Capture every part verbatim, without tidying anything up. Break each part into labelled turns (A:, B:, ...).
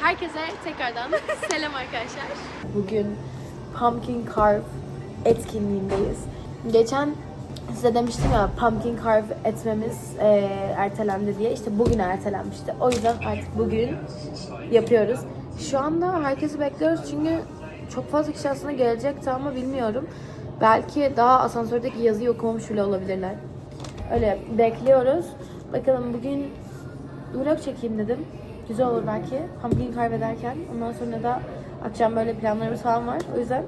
A: Herkese tekrardan selam arkadaşlar. Bugün Pumpkin Carve etkinliğindeyiz. Geçen size demiştim ya pumpkin carve etmemiz e, ertelendi diye. İşte bugün ertelenmişti. O yüzden artık bugün yapıyoruz. Şu anda herkesi bekliyoruz çünkü çok fazla kişi aslında gelecekti ama bilmiyorum. Belki daha asansördeki yazıyı okumamış bile olabilirler. Öyle bekliyoruz. Bakalım bugün vlog çekeyim dedim. Güzel olur belki. Pumpkin carve ederken. Ondan sonra da akşam böyle planlarımız falan var. O yüzden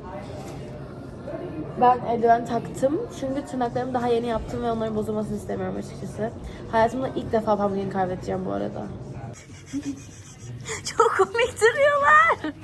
A: ben eldiven taktım. Çünkü tırnaklarımı daha yeni yaptım ve onların bozulmasını istemiyorum açıkçası. Hayatımda ilk defa pumpkin carve edeceğim bu arada. Çok komik duruyorlar.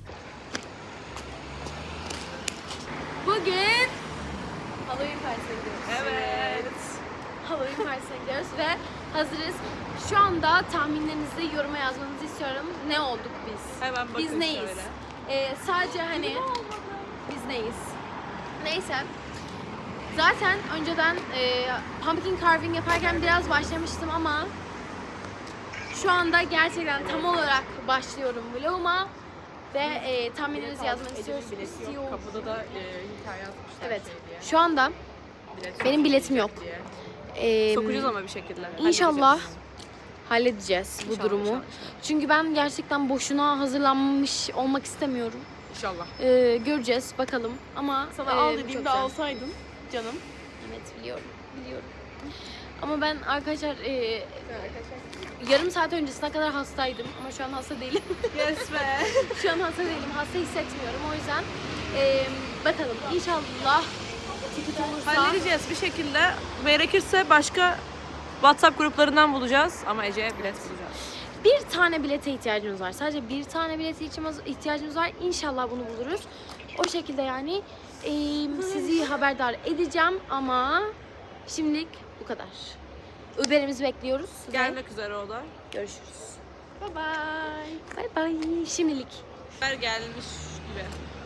A: Bugün Halloween Partisine gidiyoruz.
B: Evet.
A: Halloween Partisine gidiyoruz ve hazırız. Şu anda tahminlerinizi yoruma yazmanızı istiyorum. Ne olduk biz?
B: Hemen bakın
A: Biz neyiz?
B: şöyle.
A: Ee, sadece hani biz neyiz? Neyse. Zaten önceden e, pumpkin carving yaparken biraz başlamıştım ama şu anda gerçekten tam olarak başlıyorum vloguma ve e, tahminlerinizi yazmanı istiyoruz. istiyor.
B: Kapıda da e, hikaye yazmışlar
A: Evet.
B: şey diye.
A: Şu anda
B: Bilet
A: benim biletim yok.
B: diye.
A: Ee,
B: Sokacağız ama bir şekilde.
A: İnşallah
B: Halledeceğiz.
A: halledeceğiz bu
B: İnşallah,
A: durumu.
B: inşallah.
A: Çünkü ben gerçekten boşuna hazırlanmış olmak istemiyorum.
B: İnşallah.
A: Ee, göreceğiz bakalım ama
B: Sana
A: e,
B: al
A: çok
B: dediğimde
A: güzel.
B: alsaydın canım.
A: Evet biliyorum, biliyorum. Ama ben arkadaşlar e, yarım saat öncesine kadar hastaydım ama şu an hasta değilim.
B: Yes be.
A: Şu an hasta değilim, hasta hissetmiyorum o yüzden e, bakalım inşallah ticket olursa.
B: Halledeceğiz bir şekilde. Gerekirse başka WhatsApp gruplarından bulacağız ama Ece'ye bilet bulacağız.
A: Bir tane bilete ihtiyacımız var. Sadece bir tane bilete ihtiyacımız var. İnşallah bunu buluruz. O şekilde yani e, sizi haberdar edeceğim ama şimdilik bu kadar. Uber'imizi bekliyoruz. ve
B: Gelmek üzere o da.
A: Görüşürüz. Bye bye. Bye bye. Şimdilik.
B: Haber gelmiş gibi.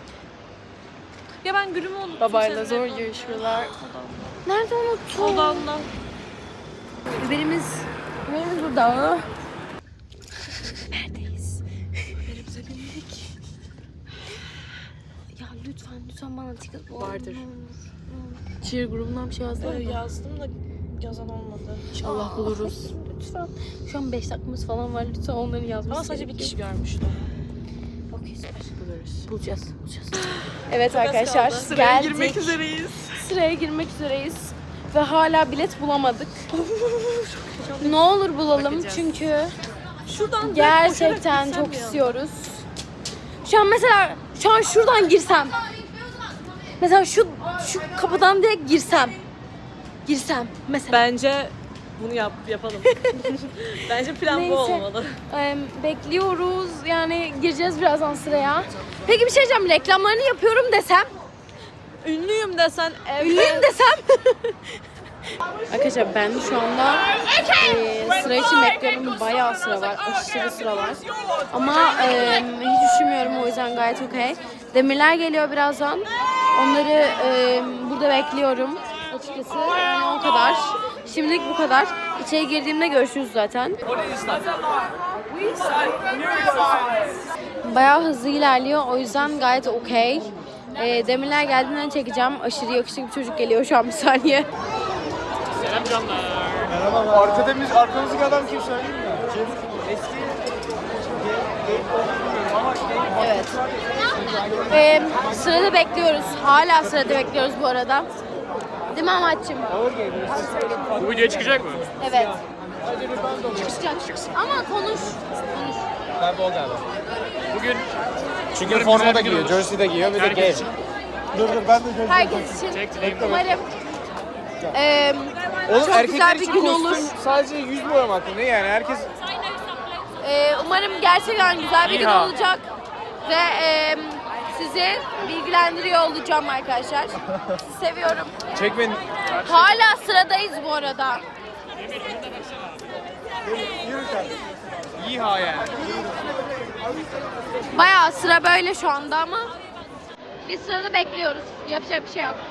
B: Ya ben gülümü unuttum.
A: Babayla
B: seninle
A: zor
B: evde.
A: görüşmeler. Nerede unuttum?
B: Odamda.
A: Uber'imiz, Uber'imiz burada. Neredeyiz?
B: Uber'imize bindik.
A: Ya lütfen lütfen bana ticket bul.
B: Vardır.
A: Ne olur, ne olur. Cheer grubundan bir şey yazdılar
B: Ee,
A: mı?
B: yazdım da yazan olmadı.
A: İnşallah buluruz. Lütfen. Şu an beş dakikamız falan var. Lütfen onların yazması
B: Ama sadece bir
A: gerekiyor.
B: kişi görmüştü.
A: Okey süper.
B: Buluruz.
A: Bulacağız. Bulacağız. Evet
B: Çok az
A: arkadaşlar
B: kaldı. Sıraya
A: geldik.
B: girmek üzereyiz.
A: Sıraya girmek üzereyiz. Ve hala bilet bulamadık. Ne olur bulalım
B: Bakacağız.
A: çünkü
B: Şuradan
A: gerçekten çok istiyoruz. Şu an mesela şu an şuradan girsem. Mesela şu şu kapıdan direkt girsem. Girsem mesela.
B: Bence bunu yap yapalım. Bence plan
A: Neyse.
B: bu olmalı.
A: Ee, bekliyoruz. Yani gireceğiz birazdan sıraya. Peki bir şey diyeceğim. Reklamlarını yapıyorum desem.
B: Ünlüyüm desen evet.
A: Ünlüyüm desem. Arkadaşlar ben şu anda e, sıra için bekliyorum. Bayağı sıra var. Aşırı sıra var. Ama e, hiç üşümüyorum. O yüzden gayet okey. Demirler geliyor birazdan. Onları e, burada bekliyorum. Açıkçası yani o kadar. Şimdilik bu kadar. İçeri girdiğimde görüşürüz zaten. Bayağı hızlı ilerliyor. O yüzden gayet okey. E, demirler geldiğinden çekeceğim. Aşırı yakışıklı bir çocuk geliyor şu an bir saniye.
C: Selam canlar. Merhaba. Arkadamız, arkamızdaki adam kim söyleyeyim mi? Kim? Eski
A: Evet. Ee, sırada bekliyoruz. Hala sırada bekliyoruz bu arada. Değil mi Ahmetciğim?
C: Bu video çıkacak mı?
A: Evet. Çıkacak. Ama konuş. Konuş.
C: Kaybol galiba. Bugün çünkü
D: Umarım
C: forma
D: güzel
C: da
D: bir gün
C: giyiyor,
D: olur.
C: jersey de giyiyor, bir de
D: Herkes
C: gay.
D: için.
C: Dur dur ben de jersey.
A: Herkes için
D: Çektim.
A: umarım e,
C: Oğlum
A: çok
C: erkekler
A: güzel bir
C: için
A: gün
C: kostüm
A: olur.
C: sadece yüz boyamak mı? Ne yani? Herkes
A: e, umarım gerçekten güzel bir gün
D: İha.
A: olacak. Ve e, sizi bilgilendiriyor olacağım arkadaşlar. Sizi seviyorum.
C: çek beni.
A: Hala sıradayız bu arada.
C: İha yani.
A: Bayağı sıra böyle şu anda ama biz sırada bekliyoruz. Yapacak bir şey yok.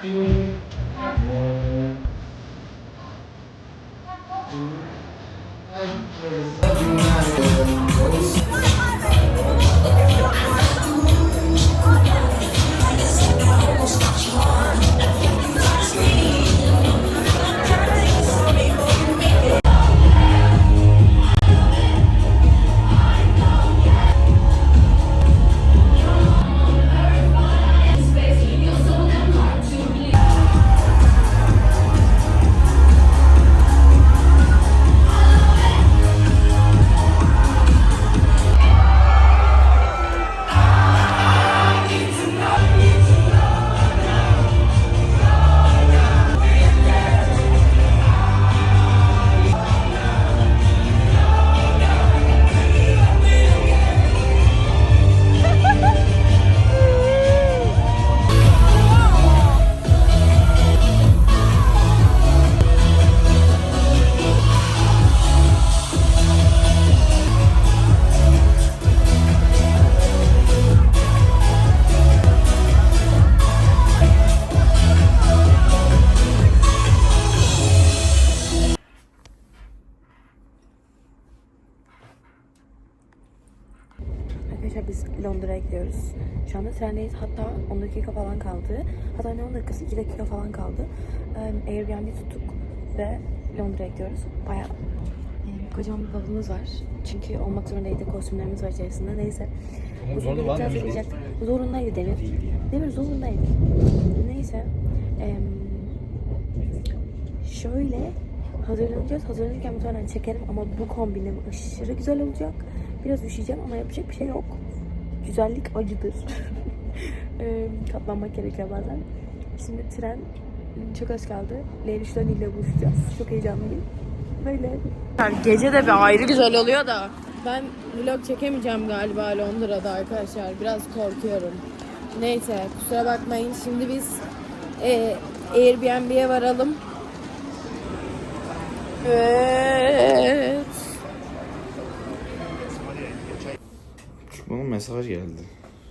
A: Arkadaşlar biz Londra'ya gidiyoruz. Şu anda trendeyiz. Hatta on dakika falan kaldı. Hatta ne on dakikası? iki dakika falan kaldı. Ee, Airbnb tuttuk ve Londra'ya gidiyoruz. Bayağı e, kocaman bir bavulumuz var. Çünkü olmak zorundaydı. Kostümlerimiz var içerisinde. Neyse. Bugün birlikte hazırlayacaktık. Zorundaydı Demir. Demir zorundaydı. Neyse. Ee, şöyle hazırlanacağız. Hazırlanırken muhtemelen çekerim ama bu kombinim aşırı güzel olacak. Biraz üşüyeceğim ama yapacak bir şey yok. Güzellik acıdır. e, katlanmak gerekiyor bazen. Şimdi tren çok az kaldı. Leylüş'ten ile buluşacağız. Çok heyecanlıyım. Böyle. Gece de bir ayrı güzel oluyor da. Ben vlog çekemeyeceğim galiba Londra'da arkadaşlar. Biraz korkuyorum. Neyse kusura bakmayın. Şimdi biz e, Airbnb'ye varalım. Evet.
C: Bana mesaj geldi.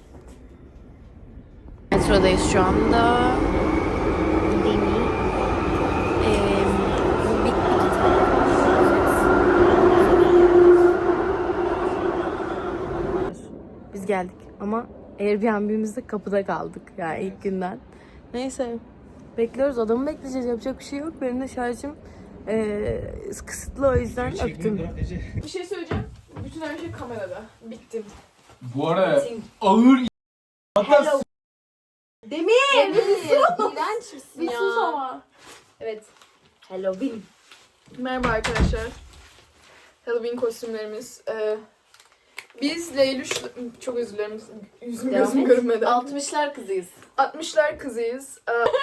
A: Metrodayız şu anda. Demi. Ee, bir, Biz geldik ama Airbnb'mizde kapıda kaldık yani ilk günden. Neyse bekliyoruz, adamı bekleyeceğiz, yapacak bir şey yok. Benim de şarjım ee, kısıtlı, o yüzden öptüm.
B: Bir şey söyleyeceğim. Bütün her şey kamerada. Bittim.
C: Bu arada ağır hatta
A: Demir! İğrenç misin ya? Bir sus ama. Evet. Halloween.
B: Merhaba arkadaşlar. Halloween kostümlerimiz. Ee, biz Leyluş... Çok özür dilerim. Yüzüm
A: Devam
B: gözüm
A: et.
B: görünmedi.
A: altmışlar kızıyız.
B: altmışlar kızıyız.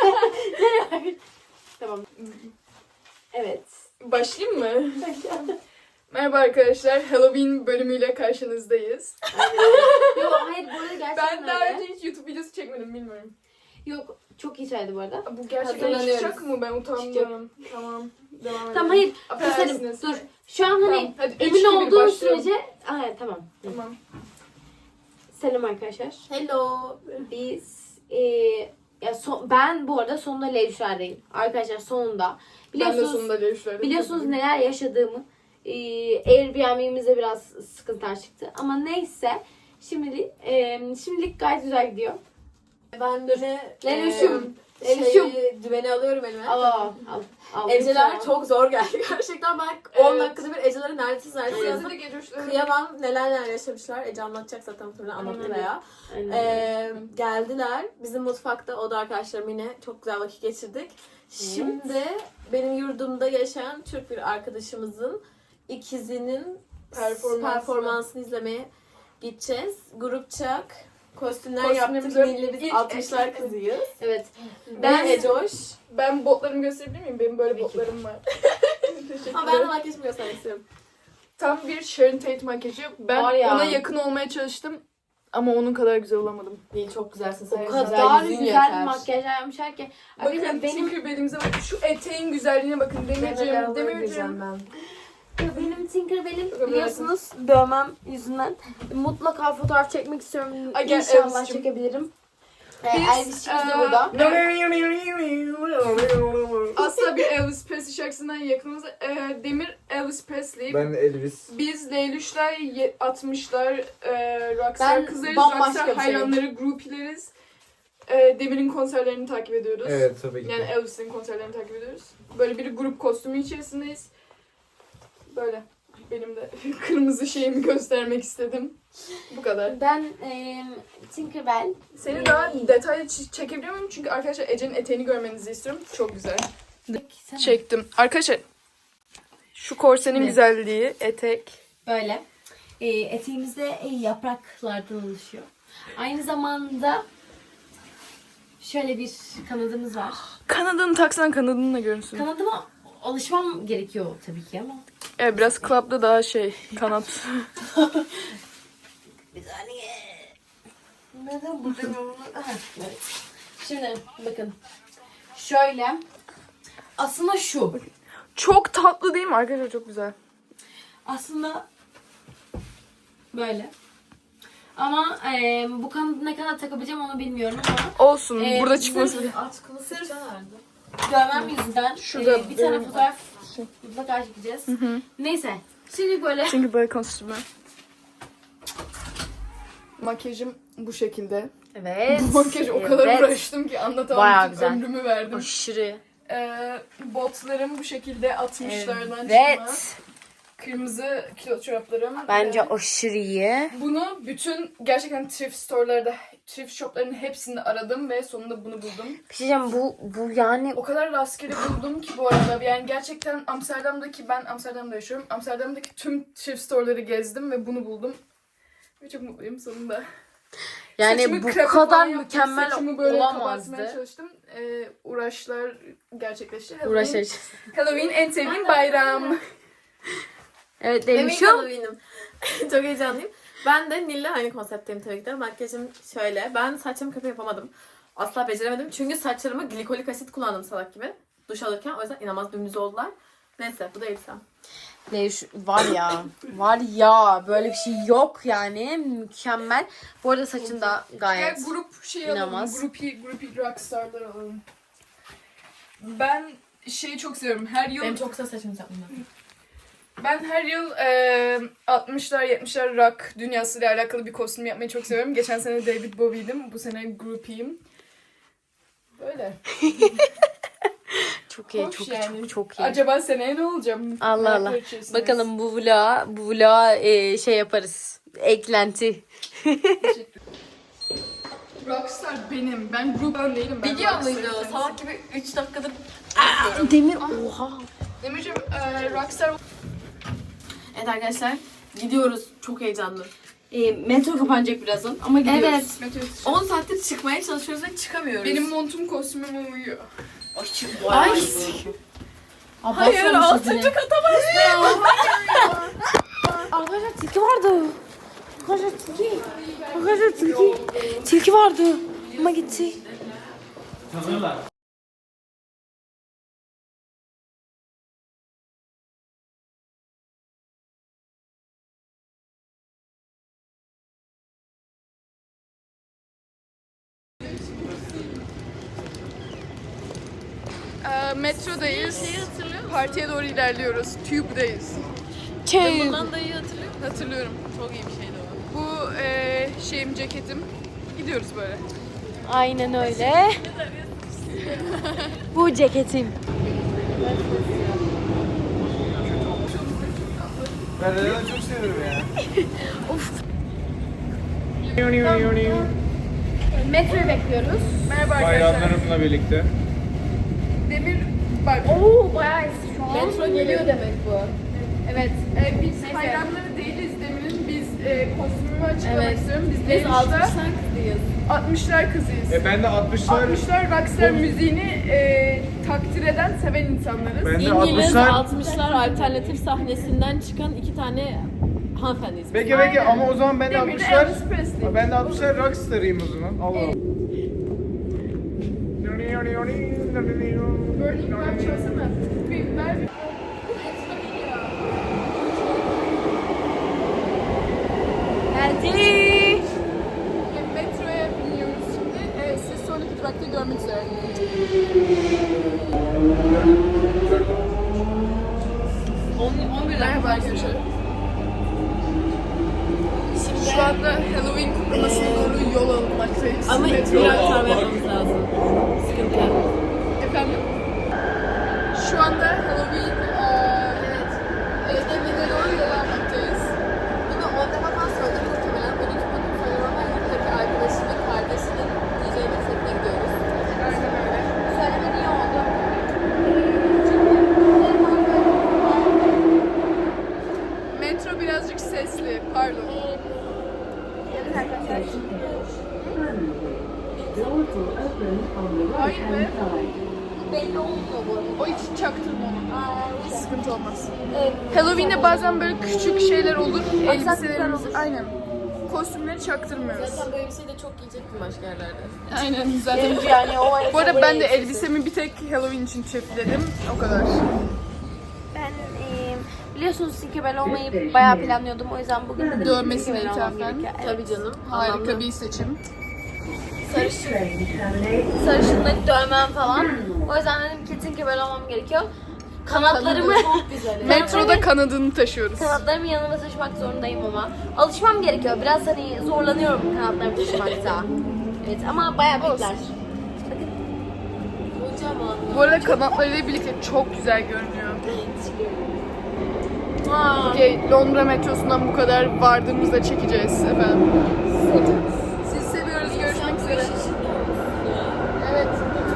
B: Ee,
A: Tamam. Evet.
B: başlayayım mı? Merhaba arkadaşlar. Halloween bölümüyle karşınızdayız.
A: Yok hayır, bu arada gerçekten
B: Ben daha
A: öyle.
B: önce hiç YouTube videosu çekmedim, bilmiyorum.
A: Yok, çok iyi söyledi bu arada.
B: Bu gerçekten
A: Hazırlanıyoruz.
B: çıkacak mı? Ben utandım. Tamam. Devam edelim.
A: Tamam hayır.
B: Affedersiniz.
A: Dur. Şu an hani
B: Tamam, hadi üç,
A: emin
B: iki, bir,
A: olduğun
B: başlıyorum.
A: sürece... Aa, evet, tamam.
B: Tamam.
A: Selam arkadaşlar.
D: Hello.
A: Biz e, ya son, ben bu arada sonunda Leylüşler'deyim. Arkadaşlar sonunda.
B: Ben de
A: Biliyorsunuz
B: sonunda Leylush'lardayım.
A: biliyorsunuz neler yaşadığımı. E, Airbnb'mizde biraz sıkıntılar çıktı. Ama neyse. Şimdilik, e, şimdilik gayet güzel gidiyor.
D: Ben de
A: Leylüş'üm.
D: e,
A: Leylüş'üm.
D: şeyi, düveni alıyorum elime.
A: Al al al. al.
D: Eceler
A: Lütfen.
D: çok zor geldi gerçekten. Ben on
B: Evet.
D: dakikada bir Eceleri neredeyse neredeyse
B: Yazı
D: yazdım.
B: da gece üçleri.
D: Kıyamam, neler neler yaşamışlar. Ece anlatacak zaten muhtemelen, anlattı
A: Aynen.
D: veya.
A: Aynen.
D: Ee, geldiler. Bizim mutfakta o da arkadaşlarım yine çok güzel vakit geçirdik. Şimdi benim yurdumda yaşayan Türk bir arkadaşımızın ikizinin
B: Performansını.
D: performansını izlemeye gideceğiz. Grupça kostümler
B: Kostümlerimizi
D: yaptık. Milli biz
B: ilk-
D: altmışlar kızıyız.
A: Evet.
D: Ben
A: Ben
D: Ecoş.
B: Ben botlarımı gösterebilir miyim? Benim böyle
A: Tabii ki.
B: botlarım var.
D: Ama ben de makyajımı göstermek istiyorum.
B: Tam bir Sharon Tate makyajı. Ben
A: Var ya.
B: ona yakın olmaya çalıştım. Ama onun kadar güzel olamadım.
D: Değil, çok güzelsin.
A: O
D: Sen
A: kadar
D: yüzün
A: güzel
D: yeter.
A: bir makyaj yapmışlar ki.
B: Bakın
A: Arkadaşlar benim
B: Tinkerbell'imize bakın. Şu eteğin güzelliğine bakın. Demirciğim, Demirciğim.
D: ben.
A: benim Tinkerbell'im
B: Bakın
A: biliyorsunuz dövmem yüzünden mutlaka fotoğraf çekmek istiyorum.
B: Ay, gel,
A: İnşallah
B: Elvis'cim.
A: çekebilirim. Ee,
E: Biz,
A: Elvis'imiz de
E: eee,
A: burada.
E: Asla bir Elvis Presley şarkısından yakınımız. Ee, Demir Elvis Presley.
C: Ben de Elvis.
E: Biz Leylüşler, ye- altmışlar, e, rockstar
A: Ben
E: kızlarız,
A: bambaşka
E: rockstar
A: bir şey.
E: hayranları, groupileriz. E, Demir'in konserlerini takip ediyoruz.
C: Evet tabii ki.
E: Yani Elvis'in konserlerini takip ediyoruz. Böyle bir grup kostümü içerisindeyiz. Böyle. Benim de kırmızı şeyimi göstermek istedim. Bu kadar.
A: Ben e, Tinkerbell.
E: Seni daha detaylı ç- çekebiliyor muyum? Çünkü arkadaşlar Ece'nin eteğini görmenizi istiyorum. Çok güzel. Çektim. Arkadaşlar şu korsenin
A: Ne?
E: güzelliği, etek.
A: Böyle. E, eteğimizde e, yapraklardan oluşuyor. Aynı zamanda şöyle bir kanadımız var.
E: Kanadını taksan kanadını da görünsün.
A: Kanadıma alışmam gerekiyor tabii ki ama.
E: Evet biraz club'da daha şey kanat.
A: Bir saniye. Neden buradayım? Evet. Şimdi bakın. Şöyle. Aslında şu.
E: Çok tatlı değil mi arkadaşlar? Çok güzel.
A: Aslında böyle. Ama e, bu kanadı ne kadar takabileceğim onu bilmiyorum ama
E: Olsun.
A: Ee,
E: burada
A: sırf-
E: çıkması.
A: sırf görmem yüzünden
E: Şurada
A: e, bir tane
E: benim-
A: fotoğraf mutlaka çekeceğiz. Neyse. Şimdi böyle
E: Çünkü böyle kostümü. Makyajım bu şekilde.
A: evet.
E: Makyaj o kadar
A: evet.
E: uğraştım ki anlatamam.
A: Bayağı
E: Bütün
A: güzel.
E: ömrümü verdim.
A: Aşırı.
E: Ee, botlarım bu şekilde altmışlardan çıkma.
A: Evet.
E: Kırmızı kilo çoraplarım.
A: Bence
E: Ee,
A: aşırı iyi.
E: bunu bütün gerçekten thrift store'larda, thrift shop'ların hepsinde aradım ve sonunda bunu buldum.
A: Bir şey diyeceğim, bu bu yani
E: O kadar rastgele buldum ki bu arada. Yani gerçekten Amsterdam'daki, ben Amsterdam'da yaşıyorum. Amsterdam'daki tüm thrift store'ları gezdim ve bunu buldum. Ve çok mutluyum sonunda.
A: yani
E: Saçımı
A: bu
E: krepe
A: kadar
E: falan yaptım.
A: mükemmel
E: Saçımı böyle
A: olamazdı.
E: kapatmaya çalıştım. Ee, uğraşlar gerçekleşti. Halloween-
A: Uğraşır.
E: Halloween en sevdiğim bayram.
A: Evet
D: Emin
A: demişim.
D: Halloween'im. Çok heyecanlıyım. Ben de Nil'le aynı konseptteyim tabii ki de. Makyajım şöyle. Ben saçımı kapı yapamadım. Asla beceremedim. Çünkü saçlarımı glikolik asit kullandım salak gibi. Duş alırken. O yüzden inanılmaz dümdüz oldular. Neyse bu da elbisem.
A: Ne şu- var ya. Var ya. Böyle bir şey yok yani. Mükemmel. Bu arada saçın da
E: Gel
A: gayet.
E: grup şey alalım.
A: İnanılmaz.
E: Grupi, grupi rockstarlar alalım. Ben şeyi çok seviyorum. Her yıl
D: Benim çok kısa saçımı yaptım.
E: ben her yıl e, altmışlar yetmişler rock dünyasıyla alakalı bir kostüm yapmayı çok seviyorum. Geçen sene David Bowie'ydim. Bu sene groupie'yim. Böyle.
A: Çok iyi,
E: Hoş
A: çok
E: yani.
A: çok çok iyi.
E: Acaba seneye ne olacağım?
A: Allah
E: Meraklar
A: Allah.
E: içerisindeyiz.
A: Bakalım bu vlog, bu vlog e, şey yaparız. Eklenti.
E: Rockstar benim. Ben gruptan değilim. Ben
D: Biliyor
E: rockstar'ım.
D: muydu? Salak gibi üç dakikadır.
A: Demir oha.
E: Demirciğim e, rockstar
D: Evet arkadaşlar. Gidiyoruz. Çok heyecanlı.
A: E, metro kapanacak birazdan ama gidiyoruz.
D: Evet.
E: Meteorist.
D: on saattir çıkmaya çalışıyoruz ve çıkamıyoruz.
E: Benim montum kostümüme uyuyor.
D: Ay.
A: Hayır,
D: altıncı kata bastım.
A: Arkadaşlar tilki vardı. Arkadaşlar tilki. Arkadaşlar tilki. Tilki vardı. Ama gitti.
E: E, metrodayız. Partiye doğru ilerliyoruz. Tube'dayız.
D: Bundan da iyi hatırlıyor musun?
E: Hatırlıyorum.
D: Çok iyi bir şeydi o.
E: Bu e, şeyim, ceketim. Gidiyoruz böyle.
A: Aynen öyle. Bu ceketim.
C: Ben neden çok seviyorum ya.
A: Metroyu bekliyoruz.
E: Merhaba arkadaşlar.
C: Bayramlarımla birlikte.
E: Demir bak.
A: Oo bayağı şu an.
D: Metro geliyor demek bu.
E: Evet. E, biz hayranları değiliz Demir'in. Biz e, kostümümü açıklamak
D: Evet.
E: istiyorum. Biz
D: Biz
E: Leylüş'te
D: altmışlar kızıyız.
E: altmışlar kızıyız.
C: E ben de altmışlar.
E: altmışlar rockstar müziğini e, takdir eden, seven insanlarız.
C: Ben de
D: İngiliz
C: altmışlar.
D: altmışlar alternatif sahnesinden çıkan iki tane hanımefendiyiz.
C: Peki peki ama o zaman ben de
E: Demir de
C: altmışlar.
E: Elvis Presley.
C: Ben de altmışlar rockstar'ıyım o zaman. Allah Allah.
E: Burning Man çalsana. Bir ver bir.
A: Geldi.
E: Metroya biniyoruz şimdi. E, size Seni görmek üzere. Merhaba arkadaşlar. Şu anda Halloween kutlamasına doğru yol alınmaktayız.
D: Ama
E: Metro.
D: bir aktarma yapmamız lazım. Sıkıntı yok.
E: Efendim? Şu anda Halloween eee evet. etkinliğine doğru yol almaktayız.
D: Bunu on defa falan söyledim muhtemelen. on iki bölüm söylemem ama yanımdaki arkadaşımın kardeşinin D J'nin setine gidiyoruz.
E: Aynen öyle.
D: Söyleme niye oldu?
E: Metro birazcık sesli. Pardon.
D: Evet arkadaşlar.
E: Hayır be.
D: Belli olmuyor bu arada.
E: O hiç çaktırma onu. Sıkıntı olmaz. Halloween'de bazen böyle küçük şeyler olur. Elbiselerimiz aynen. Kostümleri çaktırmıyoruz.
D: Zaten böyle bir şey de çok giyecektim başka yerlerde.
E: Aynen zaten.
A: Yani o
E: Bu arada ben de elbisemi bir tek Halloween için çiftledim. O kadar.
A: Ben e, biliyorsunuz Tinkerbell olmayı bayağı planlıyordum. O yüzden bugün de
E: Dövmesine
A: Tinkerbell olmam
E: ithafen.
A: gerekiyor.
D: Tabii canım.
E: Harika bir seçim.
A: Sarışın. Sarışınlık dövmem falan. O yüzden dedim ki Tinkerbell olmam gerekiyor. Kanatlarımı
D: Çok güzel.
E: Metroda kanadını taşıyoruz.
A: kanatlarımı yanıma taşımak zorundayım ama alışmam gerekiyor. Biraz hani zorlanıyorum kanatlarımı taşımakta. Evet ama bayağı büyükler.
D: Kocaman.
E: Bu arada kanatlarıyla birlikte çok güzel görünüyor.
A: Aa,
E: Okey, Londra metrosundan bu kadar vardığımızda çekeceğiz efendim. Siz seviyoruz. Görüşmek üzere. Evet.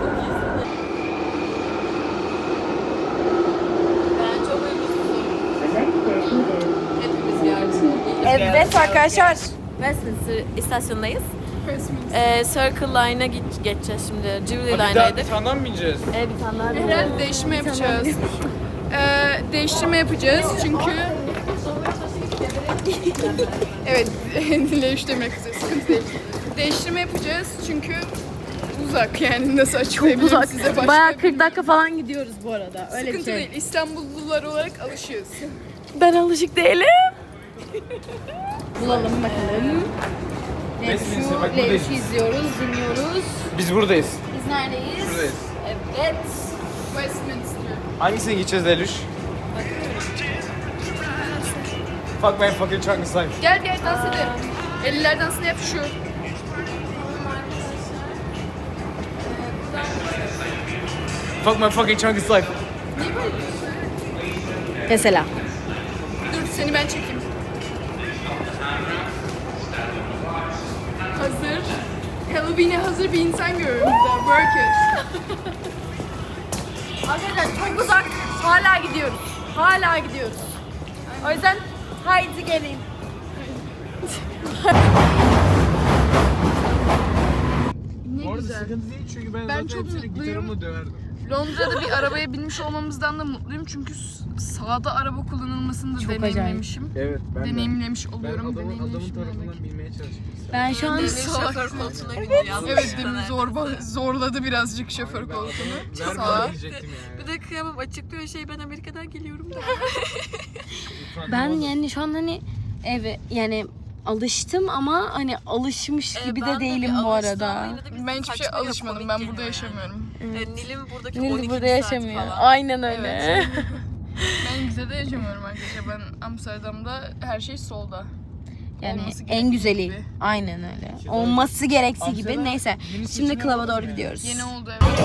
D: Ben çok uykusuzum. Hepimiz gerçi.
A: evet arkadaşlar.
D: Westminster istasyondayız.
E: Christmas.
D: Ee, Circle Line'a geç- geçeceğiz şimdi. Jubilee
C: Bir daha bir
D: Line'daydık.
C: tane daha mı bineceğiz?
D: Ee, bir tane daha
E: Herhalde değiştirme yapacağız. Ee, değiştirme yapacağız çünkü... Evet, dile üç demek üzere, sıkıntı değil. Değiştirme yapacağız çünkü uzak yani nasıl açıklayabilirim size başka.
A: Bayağı kırk dakika falan gidiyoruz bu arada. Öyle bir
E: Sıkıntı
A: şey.
E: değil, İstanbullular olarak alışığız.
D: Ben alışık değilim.
A: Bulalım bakalım.
C: Westminster, bak
A: Levşu,
C: buradayız.
A: Levşu izliyoruz, dinliyoruz.
C: Biz buradayız.
A: Biz neredeyiz?
C: Buradayız.
A: Evet.
E: Westminster.
C: Hangisine gideceğiz Leluş? Fuck my fucking chunky slime.
E: Gel gel dans edelim. Eller dansını yap şu.
C: Fuck my fucking chunky slime.
A: Mesela.
E: Dur seni ben çekeyim. Hazır. Halloween'e hazır bir insan görüyorum burada. Work it.
A: Arkadaşlar çok uzak. Hala gidiyoruz. Hala gidiyoruz. O yüzden haydi gelin.
E: Ne
C: Bu arada
E: güzel.
C: sıkıntı değil çünkü ben,
E: Ben
C: zaten
E: çok
C: hepsini
E: mutluyum.
C: gitarımla döverdim.
E: Londra'da bir arabaya binmiş olmamızdan da mutluyum çünkü s- sağda araba kullanılmasını da
A: Çok
E: deneyimlemiş,im
C: Evet ben
E: Deneyimlemiş
C: Ben
E: oluyorum.
C: adamın, adamın
E: deneyimlemişim
C: tarafından
E: demek.
C: bilmeye çalıştım.
A: Ben şu an
D: Şoför koltuğuna gidiyor.
E: Evet demin zorba, zorladı birazcık şoför koltuğunu.
C: Ver
E: Sağa.
C: bana diyecektim yani.
D: Bir de kıyamam açıklıyor şey ben Amerika'dan geliyorum da.
A: ben yani şu an hani ev yani alıştım ama hani alışmış gibi de değilim bu arada.
E: Ben hiçbir şey alışmadım. Ben burada yaşamıyorum.
D: Nil'in buradaki
A: Nil
D: on iki
A: burada
D: saat
A: yaşamıyor.
D: falan.
A: Aynen öyle.
E: Ben Rize'de yaşamıyorum arkadaşlar. Ben Amsterdam'da her şey solda.
A: Yani
E: Olması
A: en
E: gerektiği
A: güzeli.
E: gibi.
A: Aynen öyle. Olması gereksiği gibi. Neyse. Şimdi klaba doğru gidiyoruz.
E: Yeni oldu evet.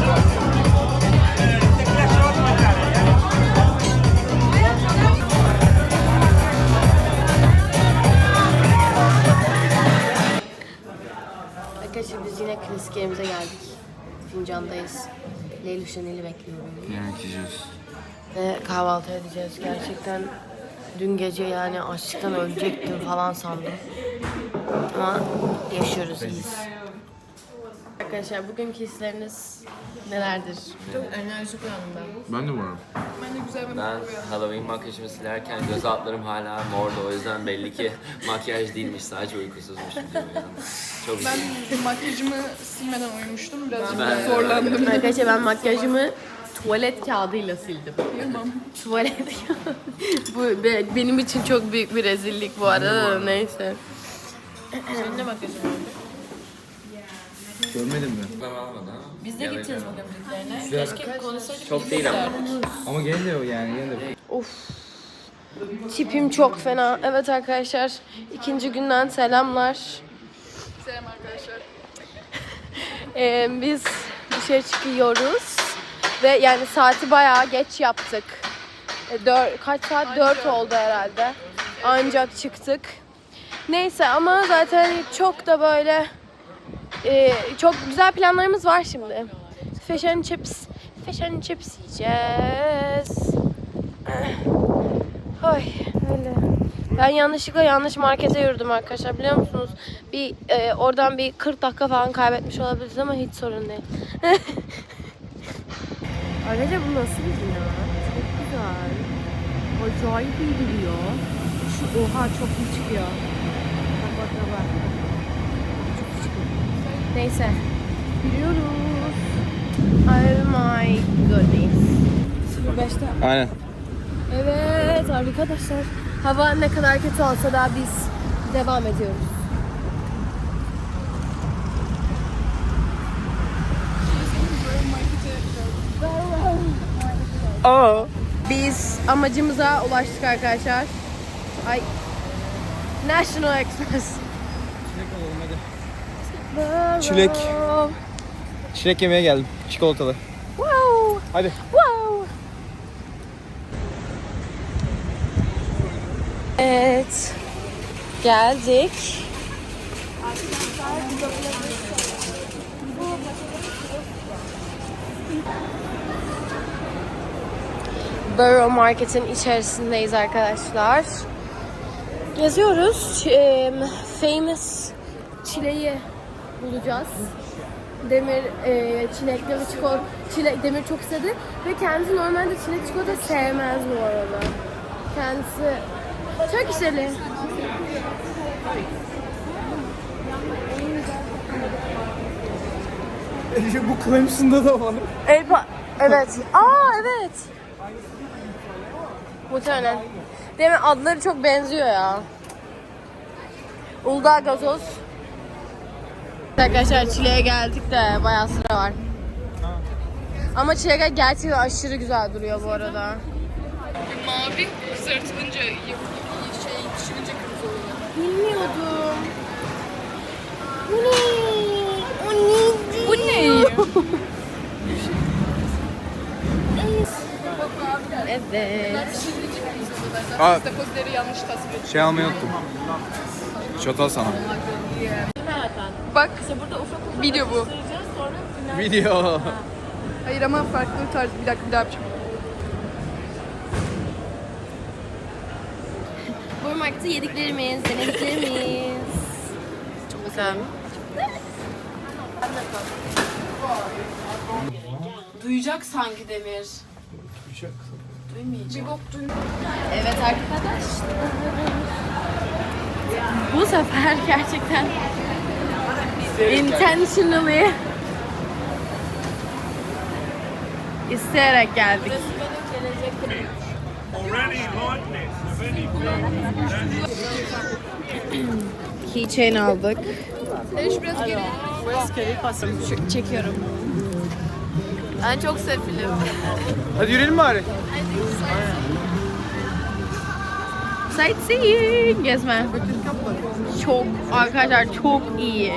A: Arkadaşlar biz yine klasik yerimize geldik. Fincandayız. Leyla Şenel'i bekliyorum.
C: Yemek yiyeceğiz.
A: Ve kahvaltı edeceğiz. Gerçekten dün gece yani açlıktan ölecektim falan sandım. Ama yaşıyoruz, iyiyiz. Arkadaşlar bugünkü hisleriniz nelerdir?
D: Çok enerjik uyandım ben.
C: Ben de varım.
E: Ben de güzel bir
F: Ben Halloween makyajımı silerken göz altlarım hala mordu, o yüzden belli ki makyaj değilmiş, sadece uykusuzmuş. Çok
E: Ben
F: üzüldüm.
E: makyajımı silmeden uyumuştum. Birazcık
F: Ben-
E: zorlandım.
A: Arkadaşlar ben makyajımı tuvalet kağıdıyla sildim. Tuvalet kağıdı. Bu be- benim için çok büyük bir rezillik bu arada da neyse.
D: Senin ne makyajın var?
C: Görmedin mi?
F: Ben almadım ama.
D: Biz de gideceğiz bugün birliklerine. Keşke konuşsaydık.
F: Çok değil ama.
C: Ama gene de o yani gene de.
A: Tipim çok fena. Evet arkadaşlar, ikinci günden selamlar.
E: Selam arkadaşlar.
A: Ee, biz dışarı çıkıyoruz ve yani saati bayağı geç yaptık. E, dör, kaç saat? Dört oldu herhalde. Ancak çıktık. Neyse ama zaten çok da böyle e, çok güzel planlarımız var şimdi. Fish and chips, fish and chips yiyeceğiz. Ay öyle. Ben yanlışlıkla yanlış markete yürüdüm arkadaşlar, biliyor musunuz? Bir e, oradan bir kırk dakika falan kaybetmiş olabiliriz ama hiç sorun değil. Arkadaşlar bu nasıl bir bina? Çok güzel. Acayip iyi duruyor. Şu oha çok iyi çıkıyor. Bak bak bak bak. Çok iyi çıkıyor. Neyse. Gidiyoruz. Oh my goodness. sıfır beşte.
C: Aynen.
A: Evet arkadaşlar. Hava ne kadar kötü olsa da biz devam ediyoruz.
C: Aa.
A: Biz amacımıza ulaştık arkadaşlar. Ay. National Express.
C: Çilek. Çilek yemeye geldim. Çikolatalı.
A: Wow.
C: Hadi.
A: Wow. Evet. Geldik. Borough Market'in içerisindeyiz arkadaşlar. Geziyoruz. Ç- em, famous çileği bulacağız. Demir e, çilekli ve çikolata, çilek, Demir çok istedi ve kendisi normalde çilek çikolata sevmez bu arada. Kendisi çok işleri.
C: Bu Clemson'da da var.
A: Elba, evet. Aa evet. Muhtemelen. Demir adları çok benziyor ya. Uludağ gazoz. Arkadaşlar çileğe geldik de bayağı sıra var. Ama çilek gerçekten aşırı güzel duruyor bu arada.
E: Mavi kızartılınca şey pişirince kırmızı oluyor.
A: Bilmiyordum. Bu ne? O ne?
E: Bu ne?
A: Evet.
C: Aa,
E: Takozları yanlış tasvir ettim.
C: şey almayı unuttum. Çatal sana.
E: Bak video bu.
C: Video.
E: Hayır ama farklı tarz. Bir dakika bir daha yapacağım.
A: Bu markette yediklerimiz, denediklerimiz. Çok güzel. Duyacak sanki Demir. Duymayacak. Evet arkadaşlar. Bu sefer gerçekten intentionally isteyerek geldik. Keychain aldık.
E: Deniz biraz geri.
A: Şu- çekiyorum.
D: Ben çok sefilim.
C: Hadi yürüyelim bari.
A: Sightseeing gezme. Çok arkadaşlar çok iyi.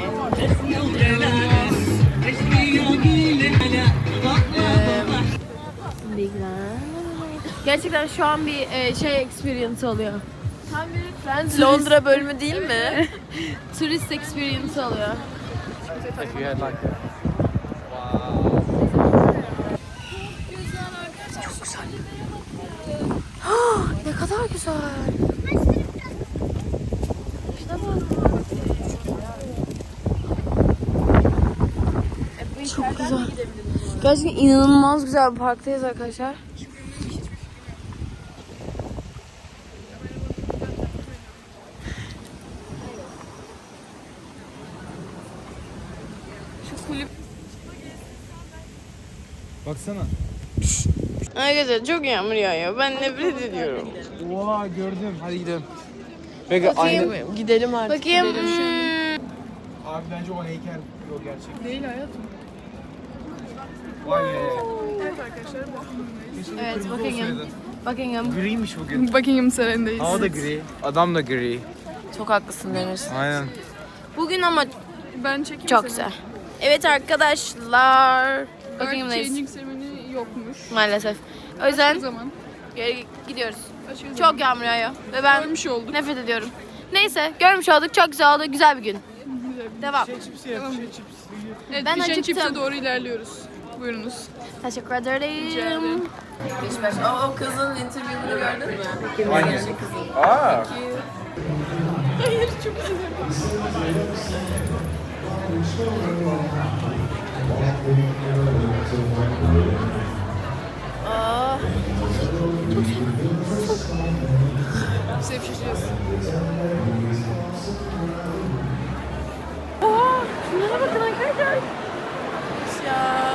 A: Gerçekten şu an bir e, şey experience oluyor. Tam bir Friends
D: Londra bölümü değil mi?
A: turist experience oluyor. Çok güzel. Ne kadar güzel. Şuna bak. Çok güzel. Gerçekten inanılmaz güzel bir parktayız arkadaşlar.
C: Baksana.
A: Arkadaşlar çok yağmur yağıyor. Ben nefret ediyorum.
C: Oha gördüm. Hadi gidelim. Peki aynı.
A: Gidelim artık. Bakayım. Hmm.
C: Abi bence o heykel o gerçek.
E: Değil hayatım.
C: Vay be.
E: Evet arkadaşlar bu.
A: Evet, Buckingham. Buckingham.
C: Griymiş bugün.
E: Buckingham Sarayı'ndayız.
C: Hava da gri. Adam da gri.
A: Çok haklısın Demir.
C: Aynen.
A: Bugün ama
E: Ben çekeyim
A: çok
E: seni.
A: güzel. Evet arkadaşlar.
E: Earth
A: Buckingham'dayız
E: Changing seremoni yokmuş.
A: maalesef. O
E: O
A: yüzden
E: zaman.
A: geri gidiyoruz.
E: Başka zaman.
A: Çok yağmur yağıyor ve ben
E: Görmüş olduk.
A: nefret ediyorum. Neyse görmüş olduk. Çok güzel oldu. Güzel bir gün. Devam.
C: Şey çipsi yap, şey çipsi.
E: Evet,
A: Ben
E: Fish and
A: acıktım.
E: Chips'e doğru ilerliyoruz. Buyurunuz.
A: Teşekkür ederim.
D: Beş beş. O, o kızın interview'unu gördün mü?
C: Hangisi? Aa.
A: Aa,
E: Sevişeceğiz.
A: şunlara bakın arkadaşlar. Ya.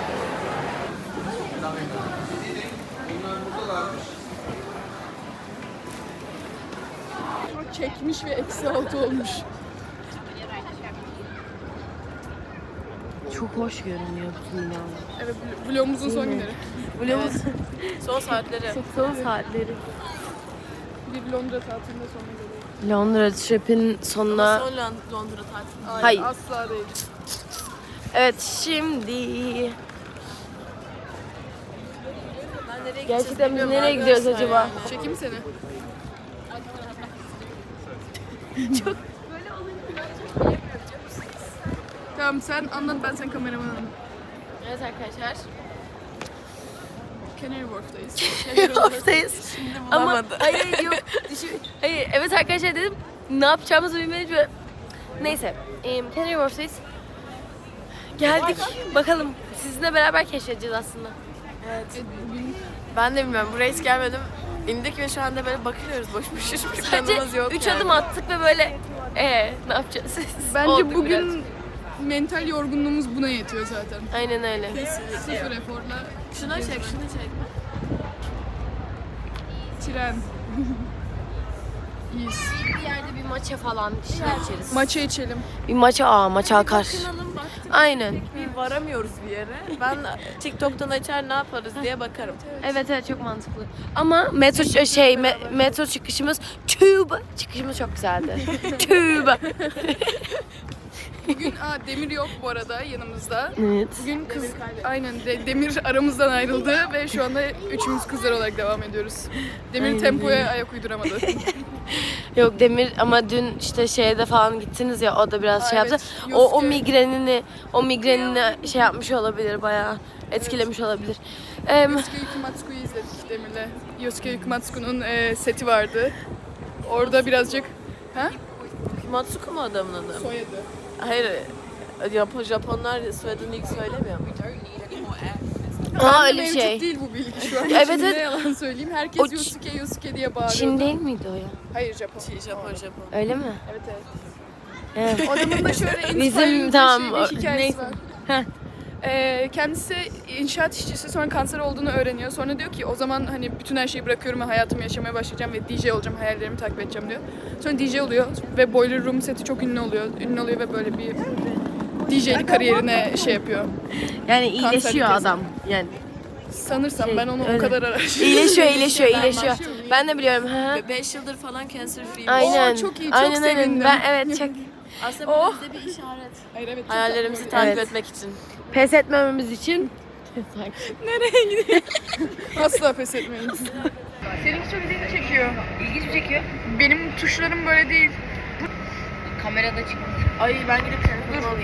E: Çekmiş ve eksi altı olmuş.
A: Çok hoş görünüyor bütün binalar.
E: Evet, vl- vlogumuzun son günleri.
A: Vlogumuz
D: Son saatleri.
A: son saatleri.
E: Bir Londra tatilinde son günleri.
A: Londra trip'in sonuna...
D: Son Lon- Londra tatili.
E: Hayır,
A: Hayır.
E: asla değil.
A: Evet şimdi...
D: Ben nereye
A: Gerçekten biz nereye gidiyoruz acaba?
E: Çekeyim seni.
A: Çok...
E: Tamam sen anlat, ben sen kameramanım.
A: Evet arkadaşlar.
E: Canary Wharf'tayız.
A: Oftayız. Ama hayır yok. Düşün- Hayır evet arkadaşlar dedim ne yapacağımızı bilmedik ve neyse. Eee Canary Wharf'tayız. Geldik. Bakalım sizinle beraber keşfedeceğiz aslında.
E: Evet, bugün
D: Ben de bilmiyorum. Buraya hiç gelmedim. İndik ve şu anda böyle bakıyoruz. Boş boş hiçbir
A: Sadece
D: planımız yok
A: üç
D: yani.
A: adım attık ve böyle eee ne yapacağız?
E: bence
A: Olduk
E: bugün
A: birazcık.
E: mental yorgunluğumuz buna yetiyor zaten.
A: Aynen öyle.
E: Sıfır eforla
D: Şunu çek, şunu çek.
E: tren. İyiyiz.
A: Bir yerde bir maça falan bir şeyler içeriz.
E: Maça içelim.
A: Bir maça aa maça akar. Aynen.
D: Bir varamıyoruz bir yere. Ben TikTok'tan açar ne yaparız diye bakarım.
A: Evet evet çok mantıklı. Ama metro şey me- metro çıkışımız Tube çıkışımız çok güzeldi. Tube.
E: Bugün aa, Demir yok bu arada yanımızda.
A: Evet.
E: Bugün kız aynen de, Demir aramızdan ayrıldı ve şu anda üçümüz kızlar olarak devam ediyoruz. Demir
A: Aynen
E: tempoya ayak uyduramadı.
A: Yok Demir ama dün işte şeyde falan gittiniz ya o da biraz
E: Aa,
A: şey yaptı.
E: evet,
A: O o
E: Yosuke.
A: migrenini o migrenini şey yapmış olabilir bayağı etkilemiş olabilir. Em,
E: Yosuke Yukimatsuku'yu izledik Demir'le. Yosuke Yukimatsuku'nun e, seti vardı. Orada birazcık ha?
D: Matsuko mu adamın adı?
E: Soyadı.
D: Hayır. Japon, Japonlar soyadını ilk söylemiyor mu?
A: Aa öyle bir
E: Mevcut
A: şey.
E: değil bu bilgi şu an.
A: Evet,
E: Şimdi
A: evet.
E: ne yalan söyleyeyim. Herkes
A: O Ç-
E: Yosuke Yosuke diye bağırıyor.
A: Çin değil miydi o ya?
E: Hayır Japon.
D: Japon, Japon.
A: Öyle mi?
E: Evet evet.
A: Evet.
E: Adamın da şöyle
A: Bizim,
E: inspiring
A: tamam,
E: bir, şey, bir hikayesi
A: neyse.
E: var.
A: Heh.
E: Ee, kendisi inşaat işçisi, sonra kanser olduğunu öğreniyor. Sonra diyor ki o zaman hani bütün her şeyi bırakıyorum ve hayatımı yaşamaya başlayacağım ve D J olacağım, hayallerimi takip edeceğim diyor. Sonra D J oluyor ve Boiler Room seti çok ünlü oluyor. Ünlü oluyor ve böyle bir D J'lik kariyerine şey yapıyor.
A: Yani iyileşiyor
E: kesi.
A: adam. Yani
E: Sanırsam
A: Şey,
E: ben onu
A: öyle.
E: o kadar araştırdım.
A: iyileşiyor, iyileşiyor, iyileşiyor. Ben de biliyorum. Ha.
D: beş yıldır falan cancer free.
A: Aynen.
E: Oo, çok iyi, çok
A: aynen, aynen.
E: sevindim.
A: Ben evet çok
D: Aslında
E: Oh.
D: bu bize bir işaret.
E: Hayır evet. çok
D: Hayallerimizi
E: tatlı.
D: takip
A: Evet.
D: etmek için.
A: pes etmememiz için
E: Asla pes etmeyin. Seninki çok ilginç çekiyor.
A: ilginç mi çekiyor?
E: Benim tuşlarım böyle değil.
A: Kamerada çıkıyor.
D: Ay ben gidip telefonumu alayım.